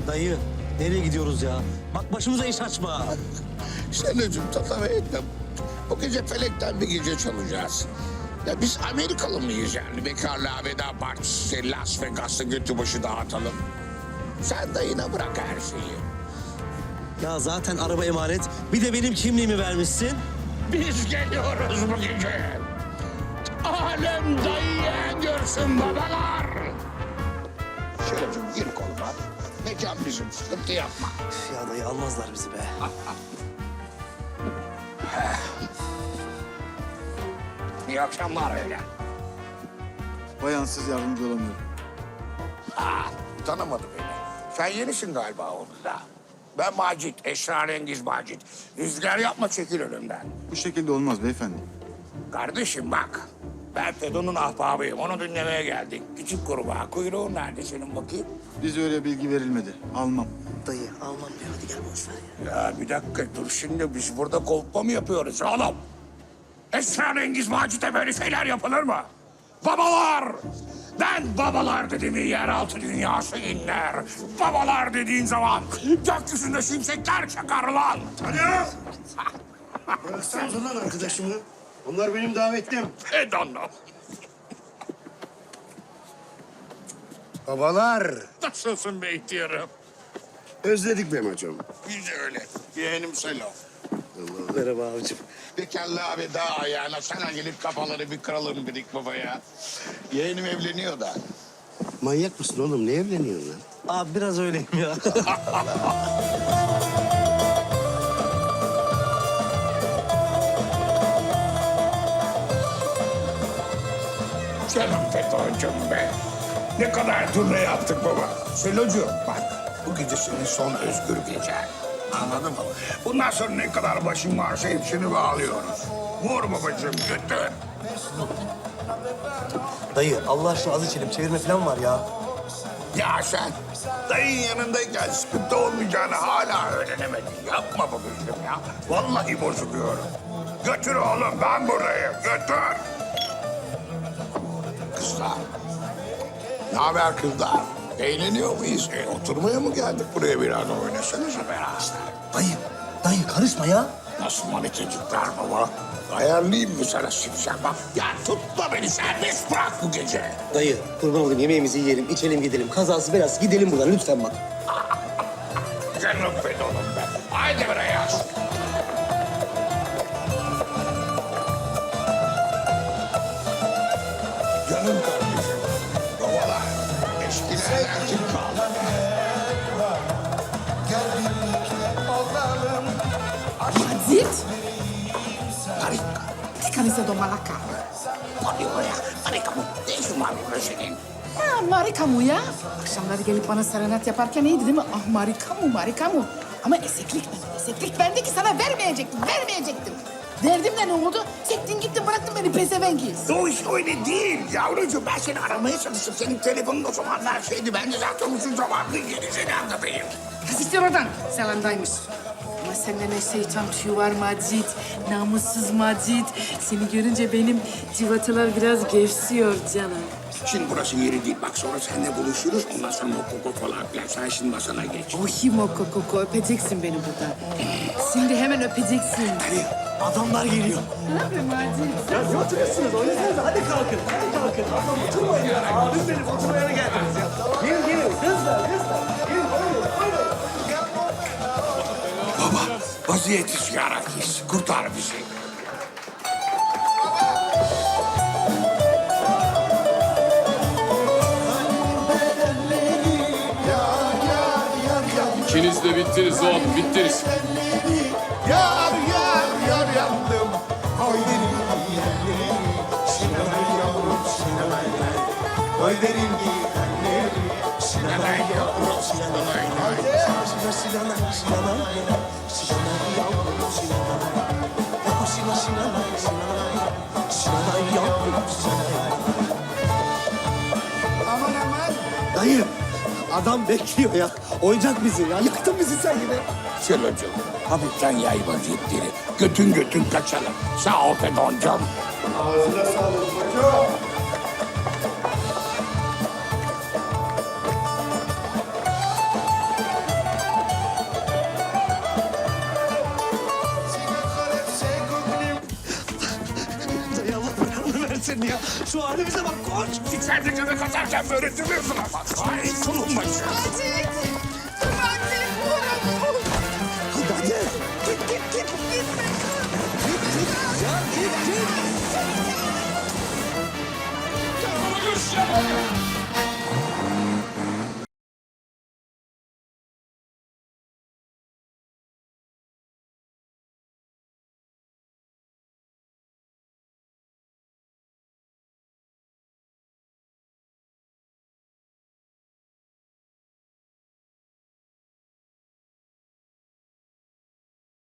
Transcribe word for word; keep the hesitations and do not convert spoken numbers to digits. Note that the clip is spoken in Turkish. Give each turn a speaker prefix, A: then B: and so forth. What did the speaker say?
A: Dayı, nereye gidiyoruz ya? Bak başımıza iş açma.
B: Selocuğum tatava etme. Bu gece Felek'ten bir gece çalacağız. Ya biz Amerikalı mıyız yani? Bekarlığa veda partisi, Las Vegas'ta götü başı dağıtalım. Sen dayına bırak her şeyi.
A: Ya zaten araba emanet. Bir de benim kimliğimi vermişsin.
B: Biz geliyoruz bu gece. Alem dayıya görsün babalar. Selocuğum gir koluma. Mekan bizim, sıkıntı yapma.
A: Üf ya dayı almazlar bizi be.
B: İyi akşamlar öyle.
C: Bayansız yardımcı olamıyorum.
B: Aa, tanımadı beni. Sen yenisin galiba orada. Ben Macit, esrarengiz Macit. Rüzgar yapma, çekil önümden.
C: Bu şekilde olmaz beyefendi.
B: Kardeşim bak, ben Fedon'un ahbabıyım. Onu dinlemeye geldik. Küçük kurbağa, kuyruğun nerede senin bakayım?
C: Bize öyle bilgi verilmedi. Almam.
A: Dayı almam diyor. Hadi gel boş ver ya.
B: Ya bir dakika dur şimdi, biz burada kolpa mı yapıyoruz oğlum? Esrarengiz Macit'e böyle şeyler yapılır mı? Babalar! Ben babalar dediğimi yeraltı dünyası inler. Babalar dediğin zaman gökyüzünde şimşekler çakar lan.
D: Alo! Bıraksanıza lan arkadaşımı. Onlar benim davetlim.
B: Fedon'um.
D: Babalar,
B: Nasılsın be ihtiyarım?
D: özledik be hocam.
B: Biz de öyle. Yeğenim Selo.
A: Merhaba abicim.
B: Bekarlığa veda ayağına sana gelip kafaları bir kıralım dedik babaya. Yeğenim evleniyor da.
D: Manyak mısın oğlum? Ne evleniyorsun lan?
A: Abi biraz öyleyim ya.
B: Canım Fedon'cum be. Ne kadar turne yaptık baba. Selocuğum bak, bu gece senin son özgür gecen. Anladın mı? Bundan sonra ne kadar başın varsa hepsini bağlıyoruz. Vur babacığım, götür.
A: Dayı Allah aşkına az içelim. Çevirme falan var ya.
B: Ya sen dayın yanındayken sıkıntı olmayacağını hala öğrenemedin. Yapma babacığım ya. Vallahi bozuluyorum. Götür oğlum, ben buradayım. Götür. Kızlar. Ne haber kızlar? Eğleniyor muyuz? E, oturmaya mı geldik buraya biraz oynasanıza beraber?
A: Dayı, dayı karışma ya.
B: Nasıl manitacıklar baba? Ayarlayayım mı sana şimşek bak? Ya tutma beni, serbest bırak bu gece.
A: Dayı kurban olayım yemeğimizi yiyelim, içelim gidelim. Kazası belası gidelim buradan lütfen bak.
B: Canım Fedon'um be. Haydi buraya. Canım kardeşim. Babalar. Eskilerden kim kaldı?
E: Macit,
B: Harika.
E: che camisa do Malacca.
B: Hadi oraya. Harika mı? Ne işin var burada senin?
E: Ha, marika mı ya? Akşamları gelip bana serenat yaparken iyiydi değil mi? Ah marika mı, marika mı? Ama eseklik bende, eseklik bende ki sana vermeyecektim, vermeyecektim. Verdim de ne oldu? Sektin gittin bıraktın beni pezevengiz.
B: O iş öyle değil yavrucuğum. Ben seni aramaya çalıştım. Senin telefonun o zamanlar şeydi. Ben de zaten uzun zamandır yeni seni anlatayım.
E: Siktir oradan. Selamdaymış. Ama sende ne şeytan tüyü var Macit. Namussuz Macit. Seni görünce benim civatalar biraz gevşiyor canım.
B: Şimdi burası yeri değil. Bak sonra seninle buluşuruz. Ondan sonra mokoko falan filan. Sen şimdi masana geç.
E: Ohi moko koko öpeceksin beni burada. Şimdi hemen öpeceksin.
A: Dayı adamlar geliyor.
E: Ne yapayım Macit?
A: Ya oturuyorsunuz oynasanıza hadi kalkın. Hadi kalkın. Ablam oturmayın ya. Abim benim oturmaya geldiniz ya. Gelin gelin kızlar kızlar. Gelin buyurun buyurun.
B: Baba vaziyeti ziyaretliyiz. Kurtar bizi.
F: İkiniz de bittiniz oğlum, bittiniz.
B: Yar yar yar yandım. Oy derim giyenleri. Sinanay yavrum sinanay. Oy derim giyenleri. Sinanay yavrum sinanay.
A: Sinanay, Sinanay, Sinanay, Sinanay yavrum Sinanay. Oh Sinan, Sinanay, Sinanay, Sinanay yavrum Sinanay.
B: Aman aman.
A: Dayı, adam bekliyor ya. Oyuncak bizi ya. Yaktın bizi sen yine.
B: Selocuğum hafiften yay vaziyetleri. Götün götün kaçalım. Sağ ol Fedon'cum.
D: Ağzına sağlık hocam.
A: seni ya. Şu halimize bak koş.
B: İçeride göbek atarken böyle duruyorsun ama. Ay tulum başı.
E: Macit! Macit! Oğlum!
A: Hadi hadi. Git git git. Git. Git git. Ya git git.